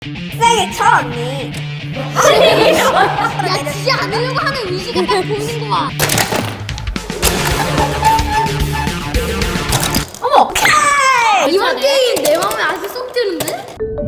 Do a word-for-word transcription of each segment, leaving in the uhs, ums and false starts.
세게 쳐 언니. 야, 지지 않으려고 하는 의지가 딱 보이는구만. 어머. 이번 게임 내 마음에 아주 쏙 드는데?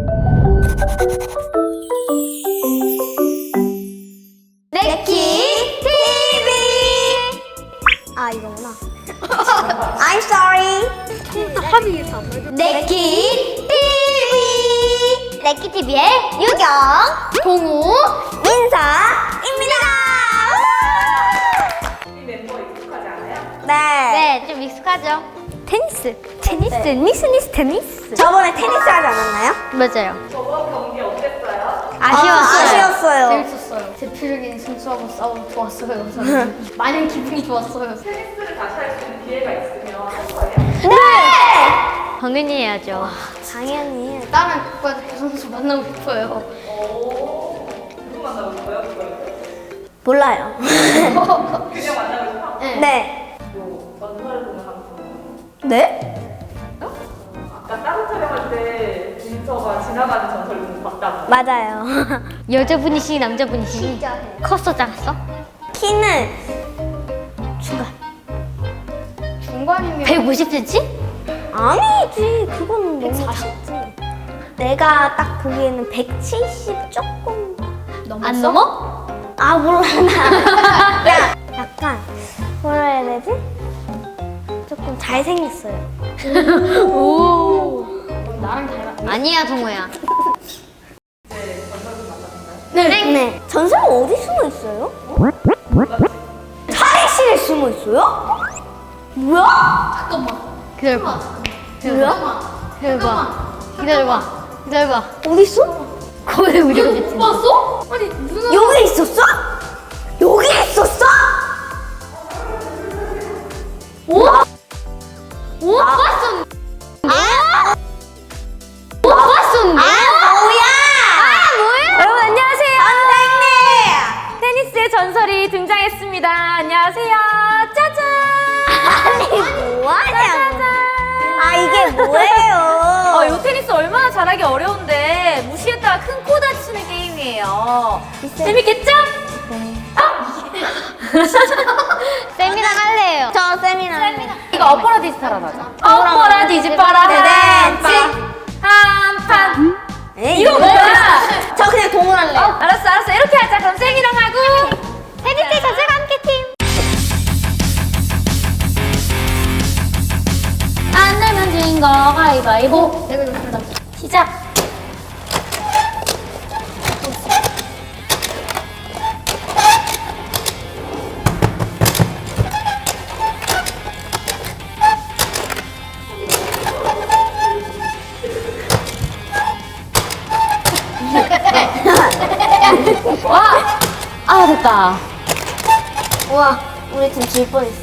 네키 티비. 아 이거구나. I'm sorry. 합의해서 안 맞아. 네키 티비. 네키 티비의 유경, 동우, 민서입니다. 이 멤버 익숙하지 않아요? 네. 네, 좀 익숙하죠? 테니스. 테니스, 네. 니스, 니스, 테니스. 저번에 테니스 하지 않았나요? 맞아요. 저번 경기 어땠어요? 아쉬웠어요. 아, 아쉬웠어요. 재밌었어요. 대표적인 선수하고 싸워 좋았어요. 저는. 많은 기분이 좋았어요. 테니스를 다시 할 수 있는 기회가 있으면 할 거예요? 네. 당연히 해야죠. 당연히. 다른 국가대표 선수 만나고 싶어요. 오, 누구 만나고 싶어요? 그걸? 몰라요. 그냥 만나고 싶어? 네. 네. 또 전설을 보면 한번 네? 아까 다른 촬영할 때 민서가 지나가는 전설 보고 봤다고. 맞아요. 여자분이시니 남자분이시니? 진짜 해. 컸어 작았어? 키는 중간. 중간이면 백오십 센티미터? 아니지. 그건 너무 작지. 내가 딱 보기에는 백칠십 조금. 안 넘어? 아 몰라 나. 야, 약간 뭐라 해야 되지? 조금 잘생겼어요. 오. 나랑 닮았. 아니야 동호야. 네. 네. 전설은 어디 숨어 있어요? 탈의실에 숨어 있어요? 뭐야? 잠깐만. 기다려봐. 뭐야? 기다려봐. 기다려봐. 기다려봐. 어디 있어? 거기 우리가 못 봤어? 아니 누나. 여기 있었어? 여기 있었어? 오? 오? 봤었네. 아? 오? 봤었네. 아 뭐야? 아 뭐야? 여러분 안녕하세요. 선생님! 테니스의 전설이 등장했습니다. 안녕하세요. 짜잔. 아니 뭐하냐고. 아 이게 뭐예요? 어, 이 테니스 얼마나 잘하기 어려운데 무시했다가 큰 코 다치는 게임이에요. 재밌겠죠? 쌤이랑 할래요. 저 세미나. 이거 엎어라 디스타라 하자. 엎어라 뒤집어라 한판 한판. 에이, 이거 뭐야? 저 그냥 동물할래요. 어, 알았어 알았어 이렇게 하자. 그럼 쌤이랑 하고 테니스 전설과 함께 팀. 안 내면 진 거 가위바위보. 내가 좋습니다. 시작. 와! 아 됐다. 우와 우리 팀 질 뻔했어.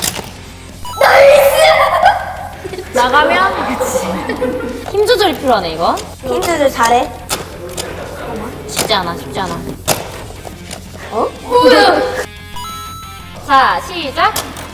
나가면 그치. 힘 조절이 필요하네 이거. 힌트들 잘해. 쉽지 않아 쉽지 않아. 어? 자 시작.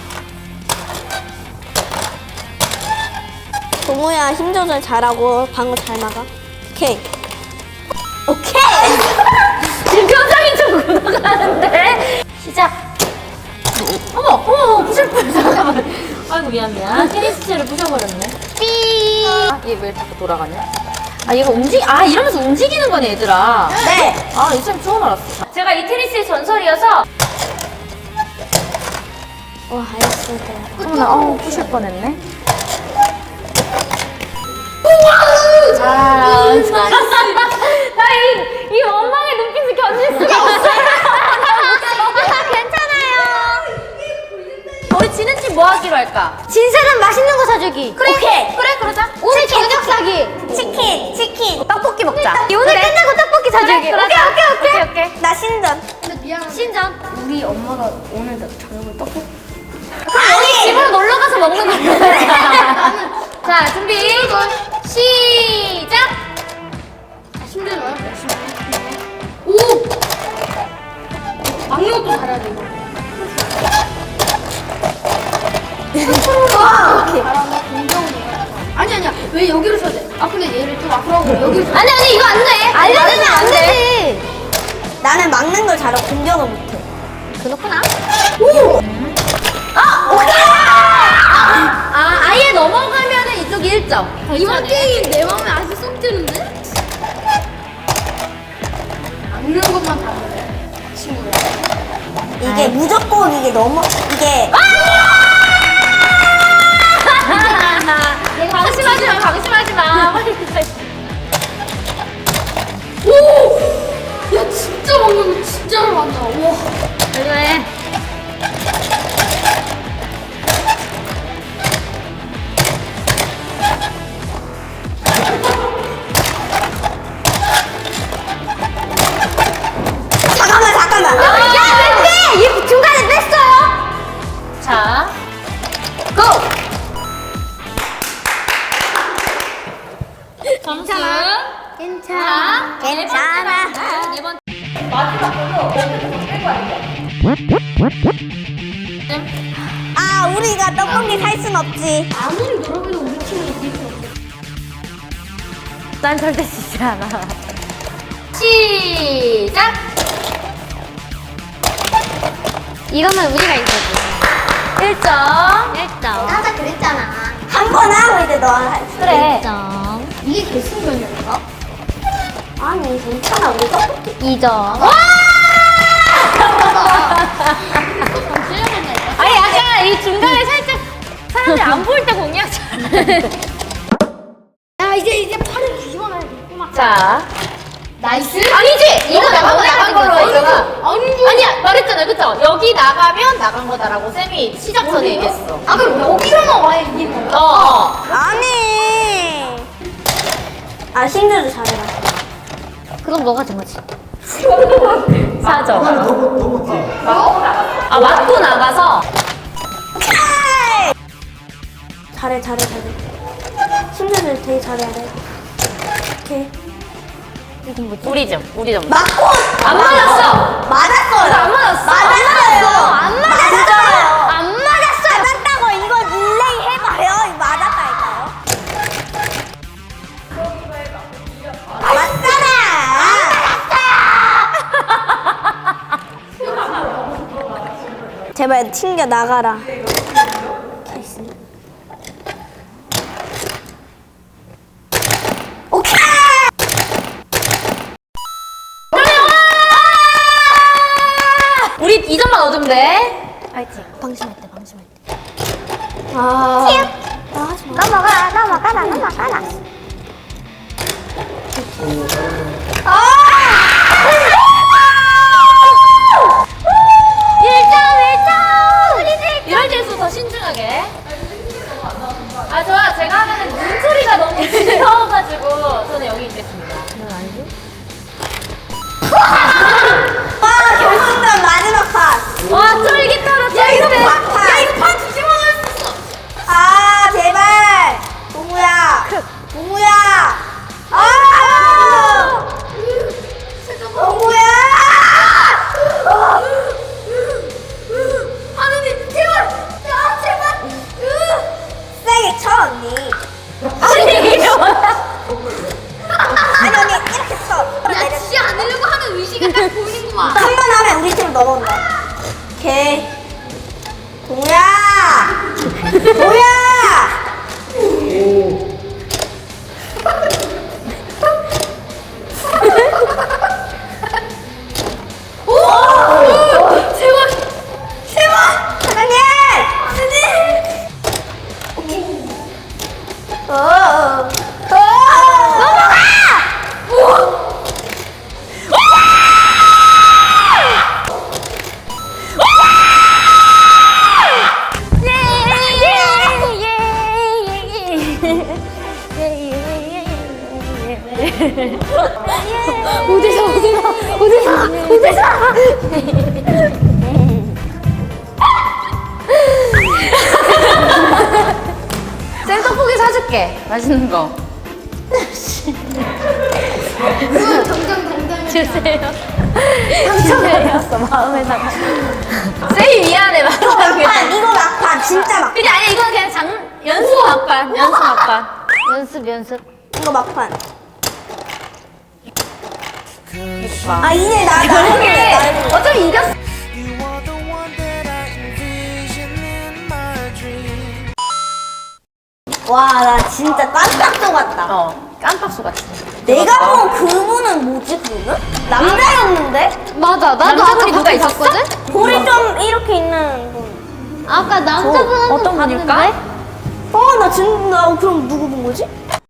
동호야 힘 조절 잘하고 방어 잘 막아. 오케이. 오케이. 지금 표정이 좀 굳어가는데. 시작. 어머 어머 부실 뻔. 잠깐만. 아이고 미안 미안. 테니스 채를 부셔버렸네. 삐. 아, 얘 왜 자꾸 돌아가냐? 아 얘가 움직 아 이러면서 움직이는 거네 얘들아. 네. 아 이참 처음 알았어. 제가 이 테니스의 전설이어서. 와 알겠습니다. 어머나 어 부실 뻔했네. 아, 나이 이 원망의 눈빛을 견딜 수가 없어. 괜찮아요. 우리 지는 팀 뭐 하기로 할까? 진 사람 맛있는 거 사주기. 그래 오케이. 그래 그러자. 오늘 저녁 사기. 치킨 치킨. 떡볶이 먹자. 오늘 끝나고 떡볶이 사주기. 그래, 오케이 오케이 오케이. 오케이 오케이. 나 신전. 근데 미안한데 신전. 우리 엄마가 오늘 저녁을 떡볶이. 아니. 집으로 놀러 가서 먹는 거야. 자 준비 시작. 힘들어요? 오. 막는 것도 잘해야 돼 이거. 와 오케이. 잘한다. 공정이에요. 아니 아니야. 왜 여기로 쳐야 돼? 아 근데 얘를 좀 앞으로 하고 여기로. 아니 아니 이거 안 돼. 알려주면 안 되지. 나는 막는 걸 잘하고 공격을 못해. 그렇구나. 오! 아, 오케이! 아, 아, 아예 넘어가면은 이쪽이 일 점. 이번 게임 내 마음에 아주 쏙 드는데? 막는 것만 봐도 돼. 친구야. 이게 무조건 이게 넘어 이게 방심하지 마, 방심하지 마. 오! 야 진짜 막는 거 진짜로 많다. 와. 그래. 잠깐만 잠깐만. 야, 왜 빼? 얘 중간에 뺐어요. 자, 고! 점수. 괜찮아. 자, 괜찮아. 네 번째. 마지막 걸로 어떻게 뺄거 아니야? 아 우리가 떡볶이 살 순 없지. 아무리 노력해도 우리 팀은 이길 수 없어. 난 절대 지지 않아. 시작! 이거는 우리가 이거지. 일 점. 일 점. 아까 그랬잖아. 한 번 하고 이제 너랑 할 수. 그래. 이게 결승전이었어? 아니 괜찮아 우리 떡볶이. 이 점. 와! 아니, 약간 이 중간에 살짝 사람들이 안 보일 때 공략 잘해. 야 이제 이제 팔을 뒤집어놔야 겠구만. 자. 나이스. 아니지! 이거 나가 나간 걸로 했잖아. 아니지. 아니야, 말했잖아, 그쵸? 여기 나가면 나간 거다라고 쌤이 시작 전에 얘기했어. 아 그럼 여기로 나와야 이기는 거야? 어, 어. 아니. 아 신들도 잘해라. 그건 너가 정하지. 사 점. 아, 맞고 나가서. 잘해 잘해 잘해. 신들들 되게 잘해야 돼. 오케이. 우리 점, 우리 점. 맞고 안 맞았어! 맞았어요. 안 맞았어. 맞았어요. 안 맞았어요. 안 맞았어요. 맞았다고 이거 릴레이 해봐요. 이거 맞았다니까요. 맞잖아. 제발 튕겨 나가라. 오케이. 우리 이 점만 얻으면 돼. 파이팅. 방심할 때, 방심할 때. 아. 넘어가 넘어가라 넘어가라. 일 점, 일 점! 이럴 때일수록 더 신중하게. 아, 좋아. 제가 하면은 눈소리가 너무 시끄러워가지고 저는 여기 있겠습니다. 넌 아니지? 와 결승전 마지막 판. 와, 쫄깃하다, 야 이거 쫄깃해. 판. 야 이거 판 뒤집어놓을 수 있어. 아 제발. 동우야. 동우야. 아. 동우야. 하느님 제발. 야 제발. 세게 쳐 언니. 아니, 이게 뭐야? 아니 언니 이렇게 쳐. 야 지지 않으려고 하는 의지가 딱 보이는구만. 한 번 하면 우리 팀 넘어온다. 오케이. 동우야. 동우야. 제발. 세번 사장님. 사장님. 오케이. 어. 어. 넘어가. 우와. 어디서, 어디서, 어디서, 어디서. 쌤 떡볶이 사줄게. 맛있는 거. 당장 당장. 주세요. 상처받았어, 마음에다가. 쌤이 미안해, 마음에. 막판 이거 막판 진짜 막판. 근데 아니, 이건 그냥 장, 연수 막판, 연수 막판. 연습 연습. 이거 막판. 이거 아 이제 나 나 해볼래. 나 해볼래. 어차피 이겼어. You are the one that I envision in my dream. 와, 나 진짜 깜짝 속았다. 어, 깜빡 속았지. 내가 본 그분은 뭐지, 그분은? 남자였는데? 맞아. 나도 남자분이 아까 누가 거기 있었어? 봤거든. 볼이 좀 이렇게 있는 분. 아까 남자분 어떤 분일까? 어, 나 진짜, 나 그럼 누구 본 거지?